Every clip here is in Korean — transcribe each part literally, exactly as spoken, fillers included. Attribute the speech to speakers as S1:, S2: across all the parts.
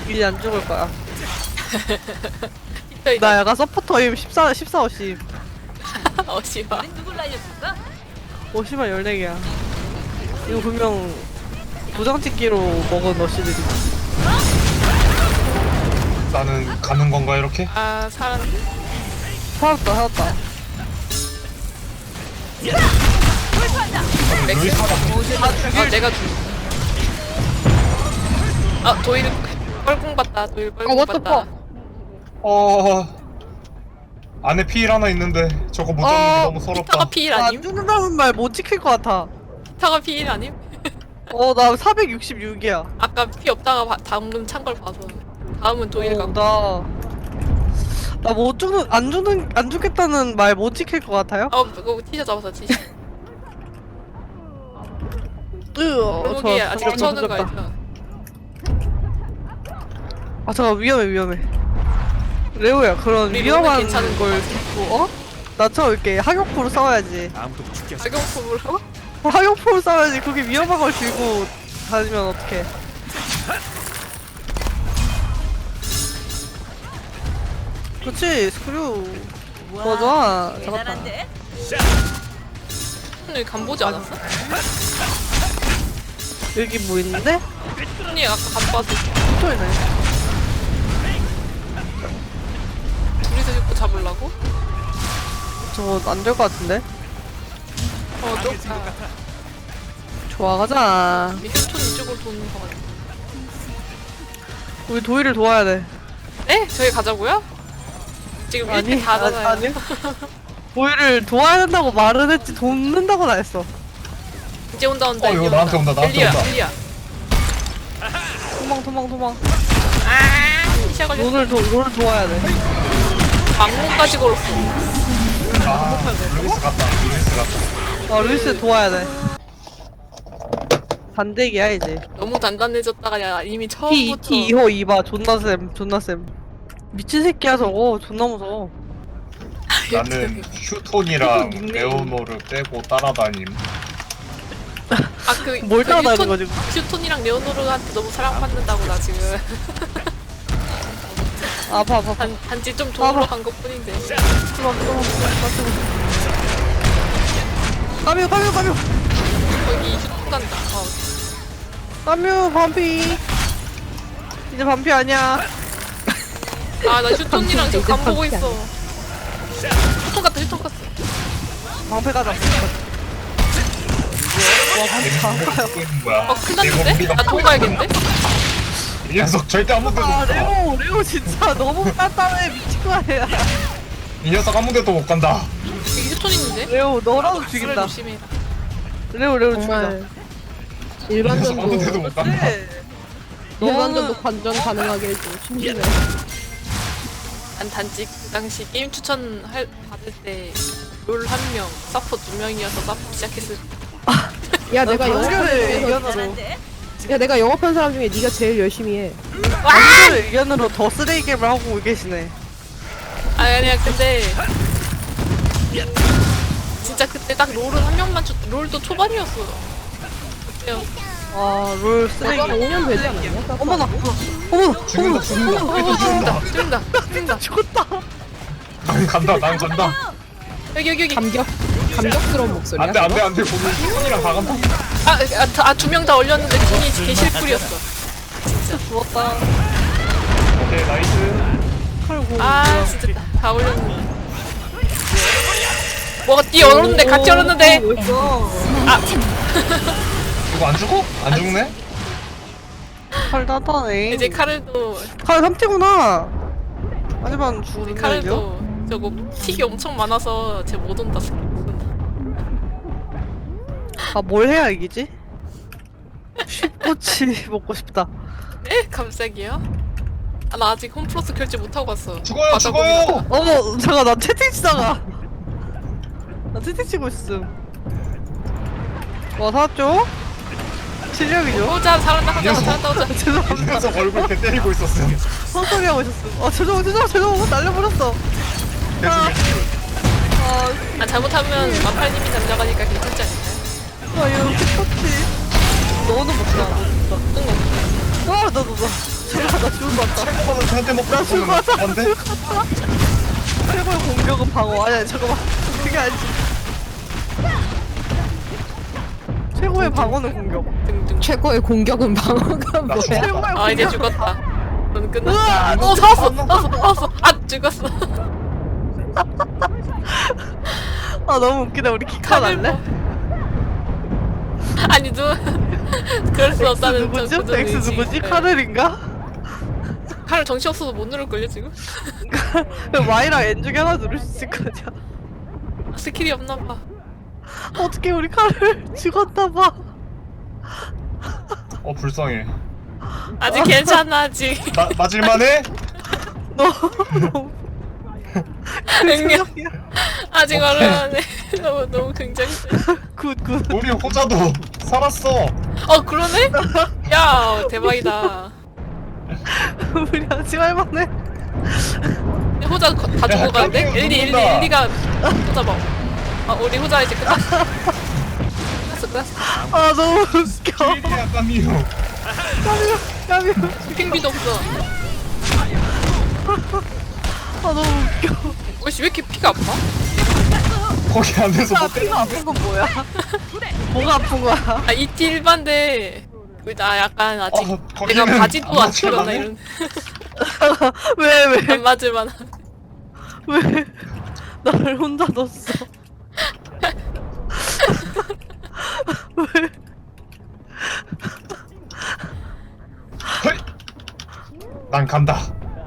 S1: 이제 안 죽을 거야. 나 약간 서포터임 십사, 십사, 오십.
S2: 어 씨발.
S1: 오, 씨발 열네 개야. 이거 분명 도장찍기로 먹은 러시들이.
S3: 나는 가는 건가 이렇게?
S2: 아 살았네.
S1: 살았다, 살았다.
S3: 루이스 하나
S2: 아 내가 죽. 아 도일 뻘궁 봤다. 도일
S1: 어,
S2: 뻘궁
S1: what the
S2: 봤다.
S3: 어... 안에 피일 하나 있는데 저거 못 잡는 게
S1: 어,
S3: 너무 서럽다.
S2: 피타가 피일
S1: 나
S2: 아님?
S1: 안 죽는다는 말 못 지킬 것 같아.
S2: 피타가 피일 아님?
S1: 어, 나 사백육십육이야.
S2: 아까 피 없다가 바, 방금 찬 걸 봐서. 다음은 도일
S1: 어,
S2: 갖고.
S1: 나. 나 못 죽는, 안 죽는, 안 죽겠다는 말 못 지킬 것 같아요?
S2: 어 그거 티셔 잡았어 티셔.
S1: 으, 어,
S2: 골목이 아직
S1: 잠깐,
S2: 쳐는 거
S1: 잠깐.
S2: 알죠?
S1: 아, 잠깐, 위험해, 위험해. 레오야, 그런
S2: 우리
S1: 위험한
S2: 룸은 괜찮은
S1: 걸 듣고, 어? 나처럼 이렇게 학용포로 싸워야지.
S2: 악용품을 어?
S1: 학용포로 싸워야지. 그렇게 위험한 걸 들고 다니면 어떡해. 그렇지, 스크류. 맞아. 잡았다.
S2: 오늘 간 보지 않았어?
S1: 여기 뭐 있는데?
S2: 언니 아까 간 봐서
S1: 붙어있네.
S2: 둘이서 자꾸 잡으려고?
S1: 저거 안 될 것 같은데?
S2: 어 좀.
S1: 좋아, 가자.
S2: 휴톤 이쪽으로 도는 거 같아.
S1: 우리 도희를 도와야 돼.
S2: 네? 저희 가자고요? 지금
S1: 아니,
S2: 일 대 사잖아요.
S1: 아니, 아니. 도희를 도와야 된다고 말은 했지, 돕는다고는 안 했어.
S2: 이제 온다 온다.
S3: 어,
S2: 이제
S3: 이거 나한테 온다, 나한테
S2: 엘리야,
S3: 온다.
S2: 엘리야.
S1: 도망, 도망, 도망.
S2: 아, 시야 걸렸어.
S1: 너를, 도, 너를 도와야 돼.
S2: 막문까지 걸었어.
S3: 아, 루이스 갔다. 루이스 갔다.
S1: 어, 루이스 도와야 돼. 반대기야, 이제.
S2: 너무 단단해졌다가 야 이미
S1: T,
S2: 처음부터.
S1: T 이 호 이 바 존나 쌤, 존나 쌤. 미친 새끼야, 저거. 존나 무서워.
S3: 나는 휴톤이랑 레오노를 빼고 따라다님.
S2: 아그
S1: 뭘 따라다니는 거지?
S2: 휴톤이랑 레오노르한테 너무 사랑받는다고 나 지금.
S1: 아파, 아파, 아파.
S2: 단, 단지 좀 도움으로
S1: 아,
S2: 간 것뿐인데.
S1: 뜨거워, 뜨거워, 뜨거워, 뜨거워. 까뮤, 까뮤, 까뮤.
S2: 거기 휴톤 간다. 어.
S1: 까뮤, 반피. 이제 반피 아니야.
S2: 아나 휴톤이랑 지금 간 보고 있어. 휴톤 갔다 휴톤 갔어.
S1: 방패 가자. 와, 반피 다 가요.
S3: 듣고 있는 거야.
S2: 어 큰일났는데? 나 통과해야겠는데?
S3: 이 녀석 절대 아무 데도
S1: 아,
S3: 못 가.
S1: 레오, 레오 진짜 너무 단단해. 미친 거 아니야.
S3: 이 녀석 아무 데도 못 간다.
S2: 여기 휴톤 있는데?
S1: 레오, 너라도
S2: 술을
S1: 죽인다.
S2: 조심해라.
S1: 레오, 레오
S4: 정말
S1: 죽인다.
S3: 이 녀석 아무
S4: 일반전도
S3: 데도 못 간다.
S1: 네.
S4: 일반전도
S1: 너는-
S4: 관전 가능하게 해줘. 심심해.
S2: 난 단지 그 당시 게임 추천 할, 받을 때 롤 한 명, 서포 두 명이어서 서포 시작했을 때.
S4: 야 내가 영업하는
S1: 단결의
S4: 중에서
S1: 의견으로
S4: 야 내가 영업한 사람 중에 네가 제일 열심히 해.
S1: 단결의 의견으로 더 쓰레기 게임을 하고 계시네.
S2: 아니 아니야 근데 진짜 그때 딱 롤은 한 명만 쳤 롤도 초반이었어. 그때요.
S1: 아, 롤 쓰레기.
S4: 내가 오 년 되지 않았냐?
S1: 어머나, 어머나, 어머나,
S3: 죽는다, 죽는다.
S2: 어, 죽는다 죽는다 죽는다.
S1: 죽었다.
S3: 난 간다, 난 간다.
S2: 여기 여기 여기.
S4: 감격 감격스러운 목소리야.
S3: 안 돼, 안 돼, 안 돼. 거기 휴톤이랑 다 간다.
S2: 아아두 명 다 올렸는데 팀이 개실풀이었어.
S1: 죽었다.
S3: 오케이, 나이스.
S1: 칼고.
S2: 아 진짜 다, 다 올렸는데. 뭐가 뛰어 얼었는데 같이 얼었는데. 아
S3: 이거 안 죽어? 안 죽네?
S1: 칼 따다네.
S2: 이제 카르도
S1: 칼 삼 티구나. 하지만
S2: 이제
S1: 죽는 거죠?
S2: 카르도 저거 틱이 엄청 많아서 쟤 못 온다.
S1: 아, 뭘 해야 이기지? 쉽꼬치 먹고 싶다.
S2: 에? 갑자기요? 아, 나 아직 홈플러스 결제 못하고 갔어.
S3: 죽어요,
S2: 맞아,
S3: 죽어요!
S2: 거기다가.
S1: 어머, 잠깐 나 채팅 치다가. 나 채팅 치고 있음. 와, 살았죠? 실력이죠?
S2: 오자 살았다 살았다
S3: 녀석.
S2: 살았다 오자.
S3: 이
S1: 죄송합니다.
S3: 녀석 얼굴 이렇게 때리고 있었음.
S1: 헛소리 하고 있었음. 아, 죄송, 죄송, 죄송. 날려버렸어. 아, 아,
S2: 아 잘못하면 마팔님이 잠자가니까 괜찮지 않을까요?
S1: 아, 이거 똑같이. 너는 못다.
S2: 응.
S1: 아, 너, 너, 너. 잠깐 나 죽을 것 같다.
S3: 한번은 저한테 먹고
S1: 나 죽을 것 같아.
S3: 안 돼?
S1: 최고의 공격은 방어. 아니야 잠깐만. 그게 아니지. 최고의 방어는 공격.
S2: 등등.
S4: 최고의 공격은 방어가 뭐야?
S3: 죽었다.
S1: 최고의
S2: 아 이제
S1: 공격은
S2: 죽었다. 넌
S1: 으아,
S2: 끝났다. 어 살았어, 살았어, 살았어. 아 죽었어.
S1: 아 너무 웃기다. 우리 기카
S2: 칼을
S1: 날래?
S2: 아니 누 그럴 수
S1: X
S2: 없다는
S1: 누구지?
S2: 저 굳은
S1: X
S2: 의지.
S1: 누구지?
S2: 네.
S1: 카를인가?
S2: 칼을 정신 없어서 못 누를걸요 지금?
S1: Y랑 N 중에 하나 누를 수 있을 거냐?
S2: 아, 스킬이 없나봐.
S1: 어떻게 우리 칼을 죽었나봐.
S3: 어 불쌍해.
S2: 아직 괜찮아 아직.
S3: 마, 맞을만해?
S1: 너 너무
S2: 응애.
S1: 긍정이야.
S2: 아직
S3: 오케이.
S2: 얼마네. 너무 너무 굉장히.
S1: 굿굿.
S3: 우리 호자도 살았어.
S2: 어 그러네? 야 대박이다.
S1: 우리 아직 할만해.
S2: 호자 거- 다
S3: 야,
S2: 죽어가는데?
S3: 깜짝이야,
S2: 엘리 엘리
S3: 누군가.
S2: 엘리가 호자 봐. 아 우리 호자 이제 끝났어. 끝났어 끝났어.
S1: 아 너무 웃겨.
S3: 킬이야 까미요.
S1: 까미요 까미요.
S2: 핑비도 없어.
S1: 아 너무 웃겨.
S2: 어씨 왜 이렇게 피가 아파?
S3: 거기 안에서
S1: 아
S3: 뭐
S1: 피가 아픈 건 뭐야? 뭐가 아픈 거야?
S2: 아 이티 일반데 나 약간 아직
S3: 어,
S2: 내가
S3: 거기는
S2: 바지도
S3: 안
S2: 안
S3: 맞춰,
S2: 튀거나
S3: 나는?
S2: 이런
S1: 왜 왜?
S2: 안 맞을만.
S1: 왜 나를 혼자 뒀어? 왜?
S3: 헐! 난 간다.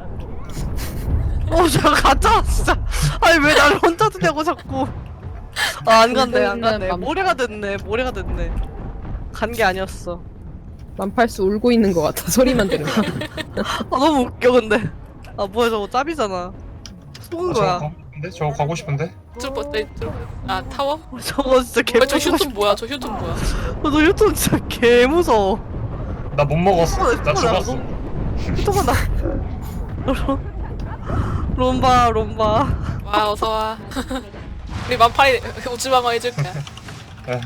S1: 어, 저 가짜 진짜. 아니 왜 나를 혼자 두냐고 자꾸. 아, 안 간대, 안 간대. 모래가 됐네, 모래가 됐네. 간 게 아니었어.
S4: 만팔수 울고 있는 것 같아. 소리만 들으면.
S1: 아 너무 웃겨 근데. 아 뭐야 저거 짭이잖아. 속은
S3: 어, 저거
S1: 거야.
S3: 가고 싶은데? 저거 가고 싶은데?
S2: 들어봐, 네, 들어봐. 아 타워?
S1: 어, 저거 진짜 개
S2: 어, 저
S1: 무서워.
S2: 휴톤 뭐야? 저 휴톤 뭐야?
S1: 어, 너 유통 진짜 개 무서워.
S3: 나 못 먹었어.
S1: 어,
S3: 나
S1: 어,
S3: 죽었어.
S1: 유통아 나. 롬- 롬바 롬바.
S2: 와 어서 와. 우리 만팔이 우주방어 해줄게.
S3: 에,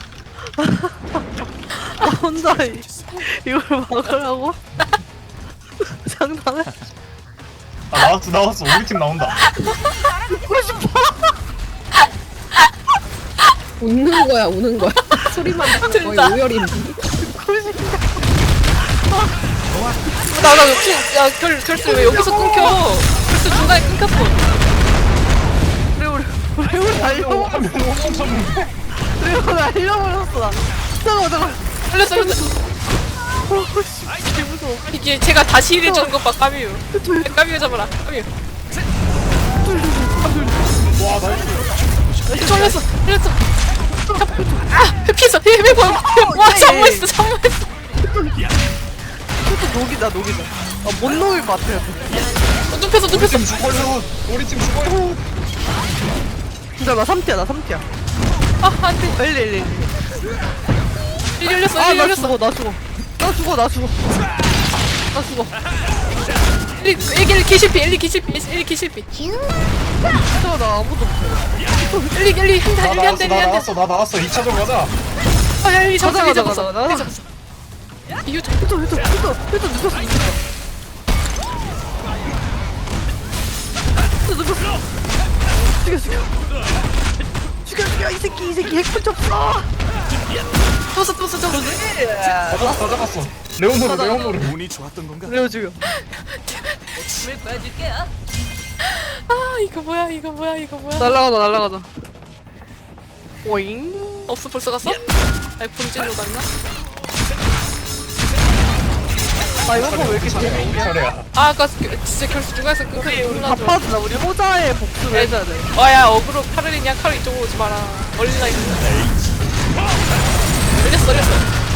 S1: 나 혼자 이, 이걸 막으라고? 장난해?
S3: 아 나왔어 나왔어. 우리 팀 나온다.
S1: 죽고 싶어.
S4: 웃는 거야, 우는 거야. 소리만 들으면 거의 오열인데.
S1: 죽고 싶어.
S2: 나나 야 결, 결수 왜 여기서 끊겨? 결수 중간에 끊겼어.
S1: 우리 우리 우리 우리 날려.
S3: 한명 오천 쳤는데.
S1: 우리 우리 날려버렸어 나. 잠깐만 잠깐만.
S2: 살렸어 살렸어.
S1: 어씨 개 무서워.
S2: 이게 제가 다시 일해주는 것 봐 까미유. 까미유 잡아라 까미유.
S3: 와 나이스.
S2: 살렸어 살렸어. 아 피했어 피 피고. 와 잠무했어 잠무했어.
S1: 그것도 녹이다 녹이다. 아못 녹일 것 같아요.
S2: 어, 눕혔어
S3: 우리
S2: 눕혔어.
S3: 팀 죽어요. 우리 팀 죽어요.
S1: 진짜 나 삼 티야 나 삼 티야.
S2: 아 안돼.
S1: 일리 일리 일리.
S2: 일 열렸어 일
S1: 아나
S2: 열렸어.
S1: 죽어 나 죽어. 나 죽어 나 죽어. 나 죽어.
S2: 일 일 기실피 일 기실피 일 기실피.
S1: 진짜 나 아무도 없어.
S2: 일 일
S3: 나
S2: 한대
S3: 나왔어
S2: 한대
S3: 나
S2: 한대.
S3: 나왔어 나 나왔어. 이 차전 가자.
S2: 아야 일 잡았어
S1: 가자,
S2: 일
S1: 가자,
S2: 잡았어
S1: 가자, 가자.
S2: 일 잡았어. 이유
S1: 휴ton 휴ton 휴ton 휴ton 늦었어 늦었어. 휴ton 늦었어. 죽여 죽여. 죽여 죽여 이 새끼 이 새끼 핵punch 없어.
S2: 떴어 떴어 떴어.
S3: 다 잡았어 다 잡았어. 레오노르 레오노르.
S5: 운이 좋았던 건가?
S1: 그래요 죽여.
S2: 아 이거 뭐야 이거 뭐야 이거 뭐야.
S1: 날라가자 날라가자. 오잉.
S2: 없어 벌써 갔어? 아니 본진으로 갔나?
S1: 아 이번 거왜 이렇게 재밌냐?
S3: 차례야.
S2: 아 아까 그- 진짜 결수 중간에서
S1: 우리
S2: 끊겨
S1: 우리
S2: 놀라죠.
S1: 갚아주자. 우리 호자의 복수를 해줘야 돼.
S2: 와야 어그로 카르리냐 카르 이쪽으로 오지 마라. 멀리 나 있는데. 열렸어 열렸어.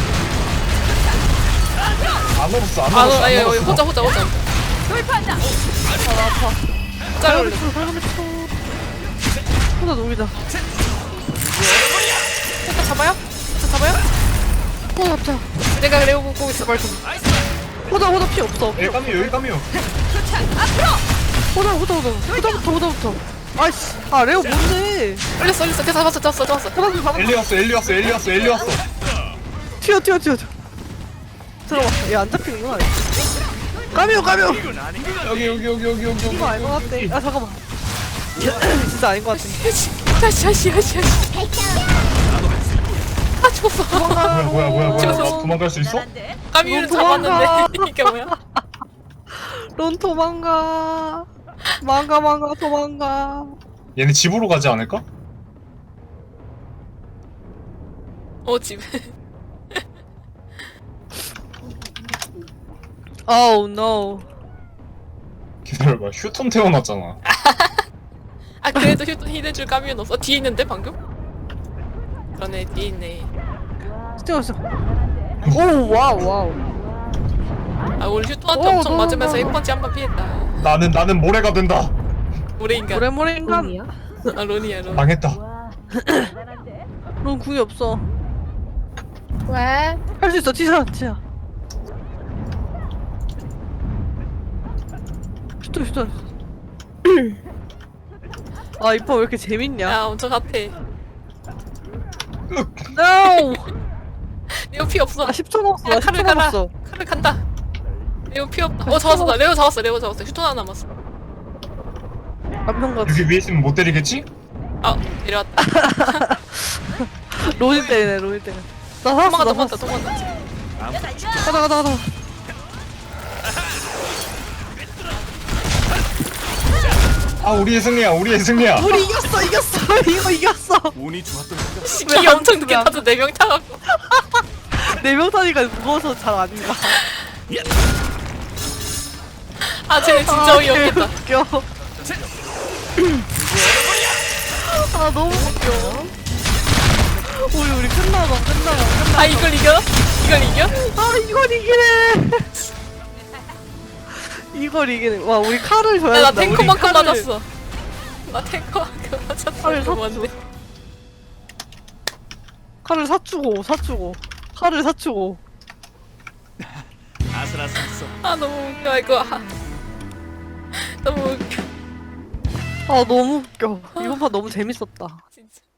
S3: 안 얼었어 안
S2: 아
S3: 얼었어.
S2: 아니
S3: 안
S2: 여기
S3: 얼었어.
S2: 호자 호자 호자.
S1: 아나 아파.
S2: 짤 올려.
S1: 호자 녹이자.
S2: 호자 잡아요? 호자 잡아요?
S1: 호자 잡자.
S2: 내가 레오 보고 있어 빨리.
S1: 호자 호자 피 없어.
S3: 여기 까미요 여기 까미요.
S1: 호자 호자 호자. 호자부터 호자부터. 아이씨. 아 레오 뭔데?
S2: 열렸어 열렸어. 걔 잡았어 잡았어 잡았어.
S1: 잡았어 잡았어.
S3: 엘리 왔어 엘리 왔어 엘리 왔어 엘리 왔어.
S1: 튀어 튀어 튀어 튀어. 들어와. 얘 안 잡히는구나. 까미오 까미오.
S3: 여기 여기 여기 여기 여기
S1: 이거 아닌 것 같아. 아 잠깐만. 진짜 아닌 것 같아.
S2: 다시 다시 다시 다시. 아 죽었어.
S3: 뭐야 뭐야 뭐야 뭐야
S2: 저거.
S3: 나 도망갈 수 있어?
S2: 까미를
S1: 도망가.
S2: 잡았는데 이게 뭐야?
S1: 론 도망가. 망가 망가 도망가.
S3: 얘네 집으로 가지 않을까?
S2: 어 집에.
S1: Oh no.
S3: 기다려봐 휴톤 태어났잖아.
S2: 아 그래도 휴ton 힐해줄 까미는 없어. 뒤에 있는데 방금? 그러네 뒤에 있네.
S1: 스티어스. 오 와우 와우.
S2: 아 우리 휴ton한테
S1: 오,
S2: 엄청
S1: 너무
S2: 맞으면서
S1: 너무.
S2: 일 번째 한 번 피했다.
S3: 나는 나는 모래가 된다.
S2: 모래인간.
S1: 모래모래 인간.
S4: 론이야?
S2: 아 론이야 론.
S3: 망했다.
S1: 론 궁이 없어.
S4: 왜?
S1: 할 수 있어 티샤 티샤. 슈터 슈터. 아 이뻐 왜 이렇게 재밌냐?
S2: 야 엄청 핫해.
S1: No.
S2: 레오 피 없어.
S1: 아 십 초 남았어.
S2: 야,
S1: 나 십 초
S2: 칼을 가라.
S1: 남았어.
S2: 칼을 간다. 레오 피 없다. 어 잡았어 나 레오 잡았어 레오 잡았어. 휴ton 하나 남았어.
S1: 남편 같아.
S3: 여기 위에 있으면 못 때리겠지?
S2: 아 내려왔다.
S1: 로이 때리네 로이 때리네. 나 살았어
S2: 도망가
S1: 나
S2: 도망가
S1: 살았어.
S2: 도망가.
S1: 가자 가자 가자.
S3: 아 우리의 승리야 우리의 승리야.
S1: 우리 이겼어 이겼어 이거 이겼어.
S5: 운이 좋았던 건가?
S2: 기 엄청 늦게
S1: 야.
S2: 타서 네 명 타갖고.
S1: 네 명 타니까 무거워서 잘 안 가.
S2: 아 쟤네 진짜 어이없겠다.
S1: 웃겨. 아 너무 웃겨. 우리 우리 끝나가 끝나가 끝나가.
S2: 아 이걸 이겨? 이걸 이겨?
S1: 아 이걸 이기네. 이걸 이기네. 와 우리 칼을 줘야
S2: 야, 나
S1: 된다. 우리
S2: 탱커만큼
S1: 칼을-
S2: 맞았어. 나 탱커만큼 맞았어.
S1: 칼을
S2: 이거
S1: 샀어.
S2: 뭔데?
S1: 칼을 사주고 사주고 칼을 사주고.
S5: 아슬아슬했어.
S2: 아 너무 웃겨 이거. 아, 너무 웃겨
S1: 아 너무 웃겨. 이번 판 너무 재밌었다.
S2: 진짜.